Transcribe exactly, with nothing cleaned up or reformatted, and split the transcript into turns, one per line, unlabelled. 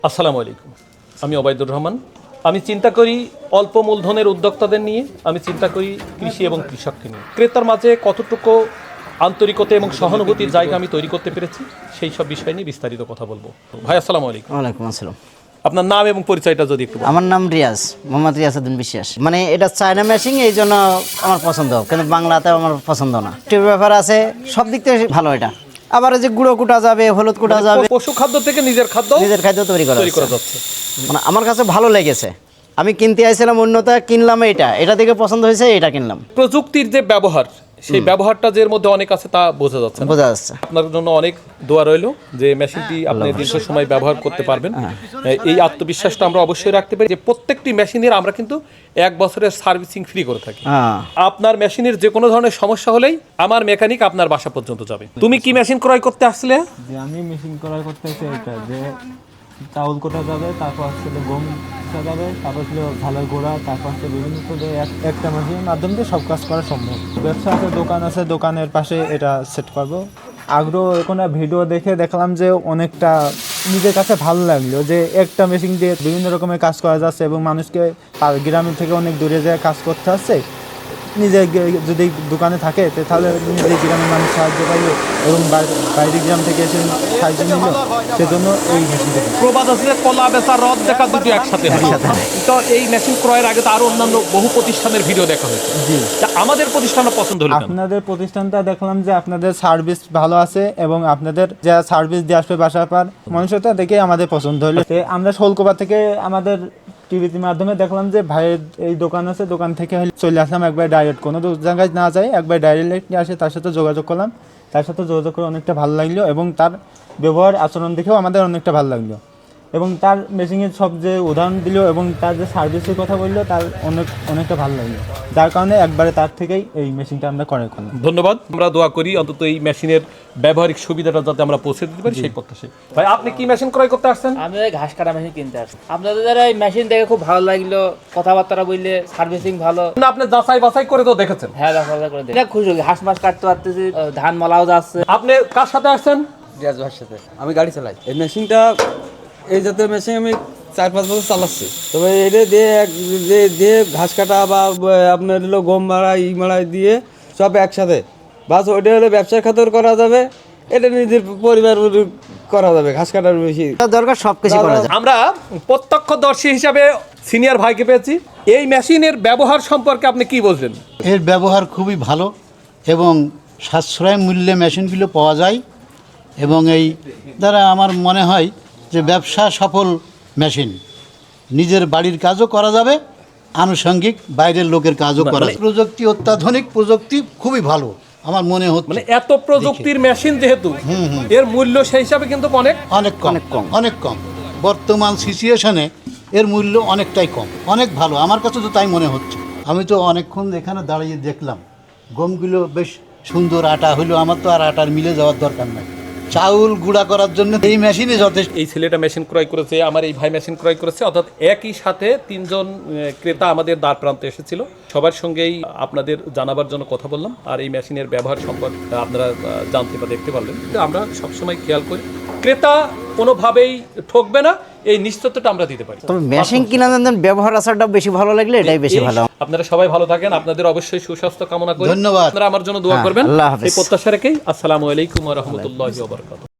আসসালামু আলাইকুম, আমি ওবায়দুর রহমান। আমি চিন্তা করি অল্প মূলধনের উদ্যোক্তাদের নিয়ে, আমি চিন্তা করি কৃষি এবং কৃষককে নিয়ে। ক্রেতার মাঝে কতটুকু আন্তরিকতা এবং সহানুভূতির জায়গা আমি তৈরি করতে পেরেছি, সেই সব বিষয় নিয়ে বিস্তারিত কথা বলবো। ভাই আসসালামু আলাইকুম।
ওয়ালাইকুম আসসালাম।
আপনার নাম এবং পরিচয়টা যদি একটু বলেন।
আমার নাম রিয়াজ, মোহাম্মদ রিয়াজউদ্দিন বিশ্বাস। মানে এটা চায়না মেশিন, এই জন্য আমার পছন্দ, কিন্তু বাংলাতে আমার পছন্দ না। টিউব ব্যাপার আছে, সব দিক থেকে ভালো এটা। আবার যে গুঁড়ো কুটা যাবে, হলুদ কুটা যাবে,
পশু খাদ্য থেকে নিজের খাদ্য
নিজের খাদ্য তৈরি করা
তৈরি করা যাচ্ছে।
মানে আমার কাছে ভালো লেগেছে। আমি কিনতে আইছিলাম অন্যটা, কিনলাম এটা, এটা থেকে পছন্দ হয়েছে, এটা কিনলাম।
প্রযুক্তির যে ব্যবহার, সেই ব্যবহারটা যে এর মধ্যে অনেক আছে তা বোঝা যাচ্ছে না।
বোঝা যাচ্ছে।
আপনার জন্য অনেক দোয়া রইল যে মেশিনটি আপনি দীর্ঘ সময় ব্যবহার করতে পারবেন। এই আত্মবিশ্বাসটা আমরা অবশ্যই রাখতে পারি যে প্রত্যেকটি মেশিনের আমরা কিন্তু এক বছরের সার্ভিসিং ফ্রি করে থাকি।
হ্যাঁ,
আপনার মেশিনের যে কোনো ধরনের সমস্যা হলেই আমার মেকানিক আপনার বাসা পর্যন্ত যাবে। তুমি কি মেশিন ক্রয় করতে আসলে?
যে আমি মেশিন ক্রয় করতে চাই এটা, যে চাউল কোটা যাবে, তারপর হচ্ছে গম কোটা যাবে, তারপর ছিল ঝালের গোড়া, তারপর হচ্ছে বিভিন্ন করে একটা মেশিনের মাধ্যমে দিয়ে সব কাজ করা সম্ভব। ব্যবসা আছে, দোকান আছে, দোকানের পাশে এটা সেট করবো। আগ্রহ কোনো ভিডিও দেখে দেখলাম যে অনেকটা নিজের কাছে ভালো লাগলো যে একটা মেশিন দিয়ে বিভিন্ন রকমের কাজ করা যাচ্ছে এবং মানুষকে গ্রামের থেকে অনেক দূরে যেয়ে কাজ করতে আসছে। নিজে যদি দোকানে থাকে তাহলে নিজের গ্রামের মানুষ সাহায্য পাইলো এবং বাইরে গ্রাম থেকে এসে সাহায্য নিল, সেজন্য এই মেশিনটা।
প্রবাদ আছে যে কলা বেচা রদ দেখা দুটো একসাথে হয়। তো এই মেশিন ক্রয়ের আগে তো আরো অন্যান্য বহু প্রতিষ্ঠানের ভিডিও দেখা হয়েছে।
জি,
আমাদের প্রতিষ্ঠানটা পছন্দ হলো কেন?
আপনাদের প্রতিষ্ঠানটা দেখলাম যে আপনাদের সার্ভিস ভালো আছে এবং আপনাদের যা সার্ভিস দিয়ে আসবে বাসার পর মানুষটা দেখে আমাদের পছন্দ হলো। আমরা শোলকোপা থেকে আমাদের টিভির মাধ্যমে দেখলাম যে ভাইয়ের এই দোকান আছে, দোকান থেকে চলে আসলাম একবার ডাইরেক্ট, কোনো জায়গায় না যাই একবার ডাইরেক্ট নিয়ে আসে, তার সাথে যোগাযোগ করলাম। তার সাথে যোগাযোগ করে অনেকটা ভালো লাগলো এবং তার ব্যবহার আচরণ দেখেও আমাদের অনেকটা ভালো লাগলো এবং তার মেশিনের সব যে উদাহরণ দিল এবং তার যে সার্ভিসের কথা বললো তার অনেক অনেকটা ভালো লাগলো, যার কারণে একবারে তার থেকেই এই মেশিনটা আমরা ক্রয় করলাম।
ধন্যবাদ। আমরা দোয়া করি অন্তত এই মেশিনের ব্যবহারিক সুবিধাটা যাতে আমরা পৌঁছে দিতে পারি, সেই প্রত্যাশায়। ভাই আপনি কি মেশিন ক্রয় করতে আসছেন?
আমি ওই ঘাস কাটা মেশিন কিনতে আসছি। আপনাদের এই মেশিন দেখে খুব ভালো লাগলো, কথাবার্তা বললে সার্ভিসিং ভালো।
না, আপনি যাচাই বাছাই করে তো দেখেছেন?
হ্যাঁ, দেখা করে দেখি খুশি হই। ঘাস মাছ কাটতে পারতেছি, ধান মালাও যাচ্ছে।
আপনি কার সাথে আসছেন?
রিয়াজ ভাইয়ের সাথে। আমি গাড়ি চালাই। এই মেশিনটা, এই জাতীয় মেশিন আমি চার পাঁচ বছর চালাচ্ছি। তবে এটা দিয়ে এক দিয়ে দিয়ে ঘাস কাটা বা আপনার হলো গম মারা ই মারাই দিয়ে সব একসাথে, বাস ওইটা হলে ব্যবসার খাতর করা যাবে, এটা নিজের পরিবার করা যাবে। ঘাস কাটার বেশি
দরকার সব কিছু করা যায়।
আমরা প্রত্যক্ষদর্শী হিসাবে সিনিয়র ভাইকে পেয়েছি। এই মেশিনের ব্যবহার সম্পর্কে আপনি কি বলছেন?
এর ব্যবহার খুবই ভালো এবং সাশ্রয় মূল্যে মেশিনগুলো পাওয়া যায় এবং এই দ্বারা আমার মনে হয় যে ব্যবসা সফল মেশিন। নিজের বাড়ির কাজও করা যাবে, আনুষঙ্গিক বাইরের লোকের কাজও করা যাবে। প্রযুক্তি, অত্যাধুনিক প্রযুক্তি খুবই ভালো আমার মনে হচ্ছে।
মানে এত প্রযুক্তির মেশিন যেহেতু, এর মূল্য সেই হিসাবে কিন্তু অনেক
অনেক কম, অনেক কম। বর্তমান সিচুয়েশনে এর মূল্য অনেকটাই কম, অনেক ভালো আমার কাছে তো তাই মনে হচ্ছে। আমি তো অনেকক্ষণ এখানে দাঁড়িয়ে দেখলাম গমগুলো বেশ সুন্দর আটা হলো, আমার তো আর আটার মিলে যাওয়ার দরকার নাই। চাউল গুঁড়া করার জন্য এই মেশিনই যথেষ্ট।
এই ছেলেটা মেশিন ক্রয় করেছে, আমার এই ভাই মেশিন ক্রয় করেছে, অর্থাৎ একই সাথে তিনজন ক্রেতা আমাদের দ্বার প্রান্তে এসেছিল। সবার সঙ্গেই আপনাদের জানাবার জন্য কথা বললাম, আর এই মেশিনের ব্যবহার সম্পর্কে আপনারা জানতে বা দেখতে পারলেন। আমরা সবসময় খেয়াল করি ক্রেতা কোনোভাবেই ঠকবে না, এই নিশ্চয়তা আমরা দিতে পারি।
তবে মেশিন কিনা দেন, ব্যবহার আসারটা বেশি ভালো লাগলে এটাই বেশি ভালো।
আপনারা সবাই ভালো থাকেন, আপনাদের অবশ্যই সুস্বাস্থ্য কামনা করি।
ধন্যবাদ।
আপনারা আমার জন্য দোয়া করবেন,
আল্লাহ হাফেজ।
এই প্রত্যাশা রেখেই আসসালামু আলাইকুম ওয়া রাহমাতুল্লাহি ওয়া বারাকাতুহু।